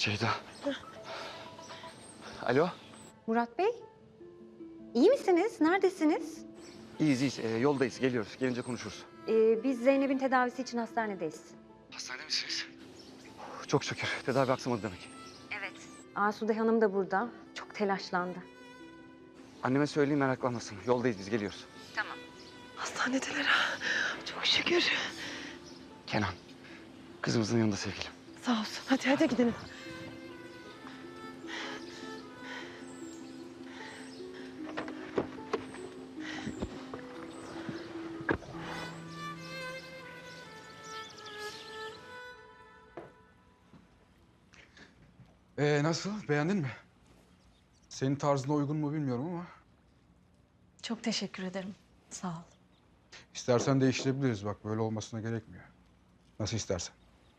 Ceyda. Alo. Murat Bey, iyi misiniz? Neredesiniz? İyiyiz iyiyiz. Yoldayız. Geliyoruz. Gelince konuşuruz. Biz Zeynep'in tedavisi için hastanedeyiz. Hastanede misiniz? Çok şükür. Tedavi aksamadı demek. Evet. Asude Hanım da burada. Çok telaşlandı. Anneme söyleyeyim meraklanmasın. Yoldayız biz geliyoruz. Tamam. Hastanedeler ha. Çok şükür. Kenan. Kızımızın yanında sevgilim. Sağ olsun. Hadi gidelim. Nasıl? Beğendin mi? Senin tarzına uygun mu bilmiyorum ama Çok teşekkür ederim. Sağ ol. istersen değiştirebiliriz. Bak böyle olmasına gerekmiyor. Nasıl istersen.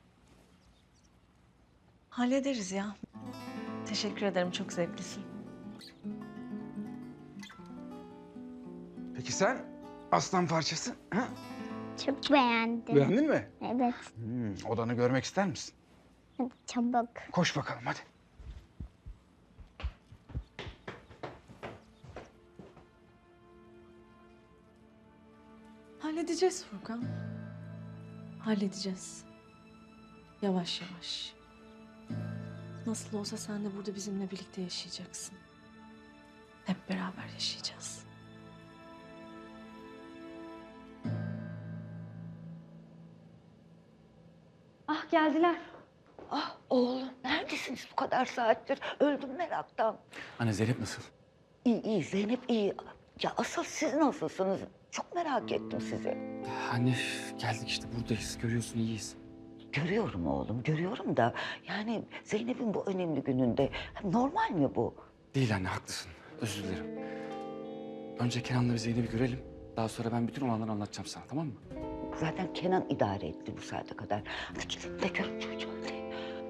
Hallederiz ya. Teşekkür ederim. Çok zevklisin. Peki sen aslan parçası? Ha? Çok beğendim. Beğendin mi? Evet. Odanı görmek ister misin? Hadi çabuk. Koş bakalım hadi. Halledeceğiz Furkan. Halledeceğiz. Yavaş yavaş. Nasıl olsa sen de burada bizimle birlikte yaşayacaksın. Hep beraber yaşayacağız. Ah geldiler. Ah oğlum neredesiniz bu kadar saattir? Öldüm meraktan. Anne Zeynep nasıl? İyi Zeynep iyi. Ya asıl siz nasılsınız? Çok merak ettim sizi. Anne geldik işte buradayız. Görüyorsun iyiyiz. Görüyorum oğlum görüyorum da yani Zeynep'in bu önemli gününde normal mi bu? Değil anne haklısın. Özür dilerim. Önce Kenan'la bir Zeynep'i görelim. Daha sonra ben bütün olanları anlatacağım sana tamam mı? Zaten Kenan idare etti bu saate kadar. Hadi gidin de görün çocuğu. Hadi.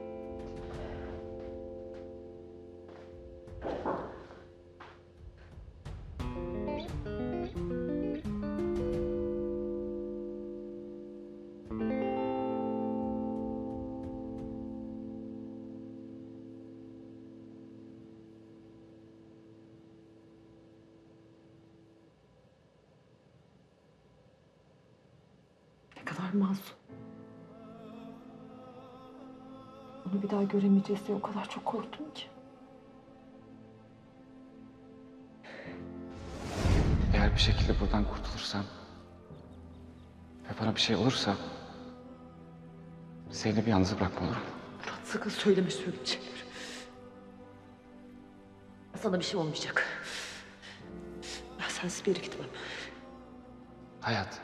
Ne kadar masum. Onu bir daha göremeyeceğiz diye o kadar çok korktum ki. Eğer bir şekilde buradan kurtulursam ve bana bir şey olursa Zeynep'i yalnız bırakma olur mu? Murat sakın söyleme söyleyecekleri. Sana bir şey olmayacak. Ben sensiz bir yere gitmem. Hayat.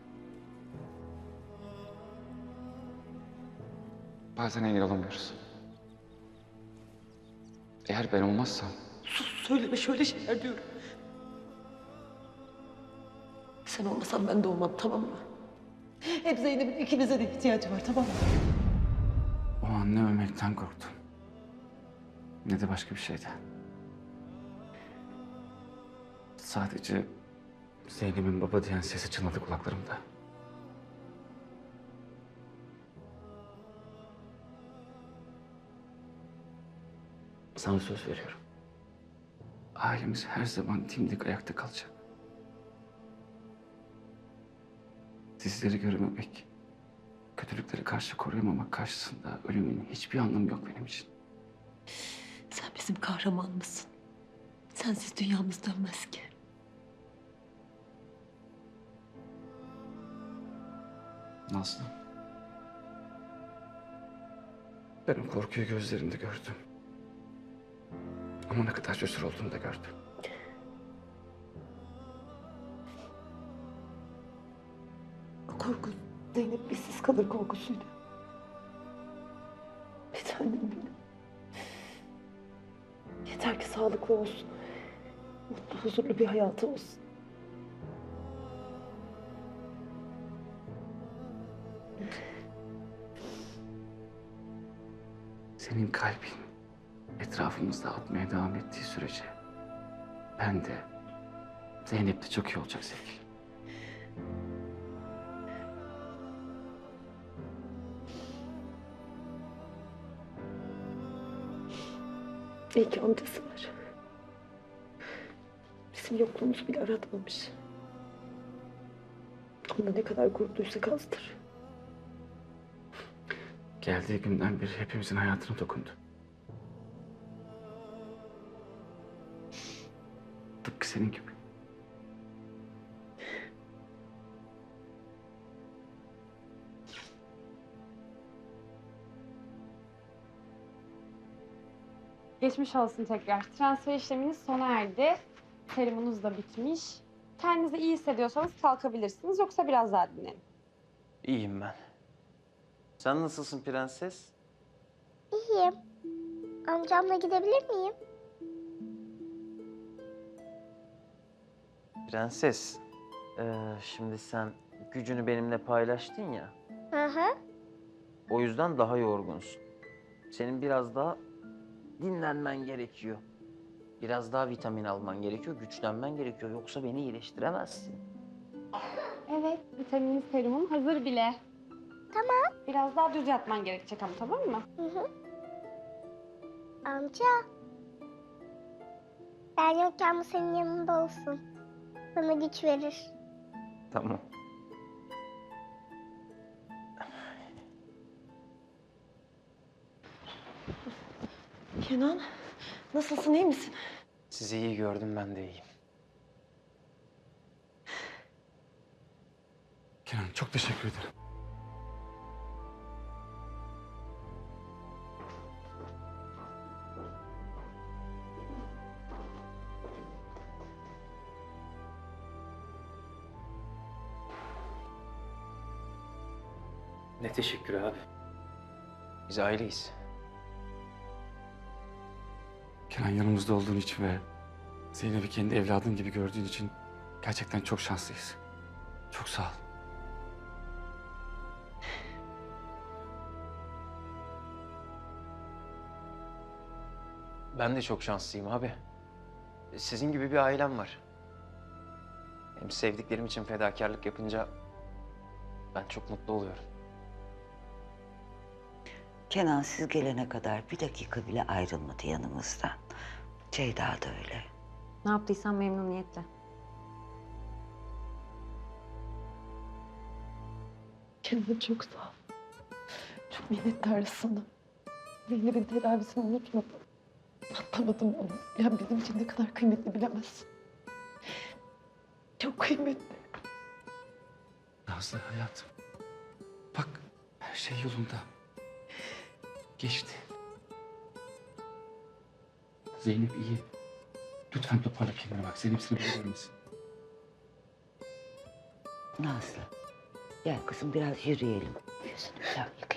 Bazen engel olamıyoruz. Eğer ben olmazsam Sus söyleme şöyle şeyler diyorum. Sen olmasan ben de olmam tamam mı? Hep Zeynep'in ikimize de ihtiyacı var tamam mı? o an ne ölmekten korktum ne de başka bir şeyden. Sadece Zeynep'in baba diyen sesi çınladı kulaklarımda. Sana söz veriyorum. Ailemiz her zaman dimdik ayakta kalacak. Sizleri görememek, kötülükleri karşı koruyamamak karşısında ölümün hiçbir anlamı yok benim için. Sen bizim kahramanımızsın. Sensiz dünyamız dönmez ki. Nazlı. Ben o korkuyu gözlerinde gördüm. Ama ne kadar cesur olduğunu da gördüm. O korku Zeynep bizsiz kalır korkusuydu. Bir tanem benim. Yeter ki sağlıklı olsun. Mutlu, huzurlu bir hayatı olsun. Senin kalbin etrafımızda atmaya devam ettiği sürece ben de Zeynep de çok iyi olacak sevgilim. İyi ki amcası var. Bizim yokluğumuzu bile aratmamış. Ama ne kadar korktuysak azdır. Geldiği günden beri hepimizin hayatına dokundu. Tıpkı senin gibi. Geçmiş olsun tekrar. Transfer işleminiz sona erdi. Serumunuz da bitmiş. Kendinizi iyi hissediyorsanız kalkabilirsiniz. Yoksa biraz daha dinlenin. İyiyim ben. Sen nasılsın prenses? İyiyim. Amcamla gidebilir miyim? Prenses, şimdi sen gücünü benimle paylaştın ya. Hı hı. O yüzden daha yorgunsun. Senin biraz daha dinlenmen gerekiyor. Biraz daha vitamin alman gerekiyor, güçlenmen gerekiyor. Yoksa beni iyileştiremezsin. Evet, vitamin serumun hazır bile. Tamam. Biraz daha düz yatman gerekecek ama, tamam mı? Hı hı. Amca. Ben yokken bu senin yanında olsun. Bana güç verir. Tamam. Kenan, nasılsın, iyi misin? Sizi iyi gördüm, ben de iyiyim. Kenan çok teşekkür ederim. Ne teşekkür abi. Biz aileyiz. Kenan yanımızda olduğun için ve Zeynep'i kendi evladın gibi gördüğün için gerçekten çok şanslıyız. Çok sağ ol. Ben de çok şanslıyım abi. Sizin gibi bir ailem var. Hem sevdiklerim için fedakarlık yapınca ben çok mutlu oluyorum. Kenan siz gelene kadar bir dakika bile ayrılmadı yanımızdan. Ceyda da öyle. Ne yaptıysam memnuniyetle. Kenan çok sağ ol. Çok minnettarız sana. Zeynep'in tedavisini unutmadım. Atlamadım onu. Ya bizim için ne kadar kıymetli bilemezsin. Çok kıymetli. Nazlı hayatım. Bak her şey yolunda. Geçti. Zeynep iyi. Lütfen toparla kendine bak. Zeynep seni bilir misin? Nazlı, gel kızım biraz yürüyelim. Yüzünü güzel yıka.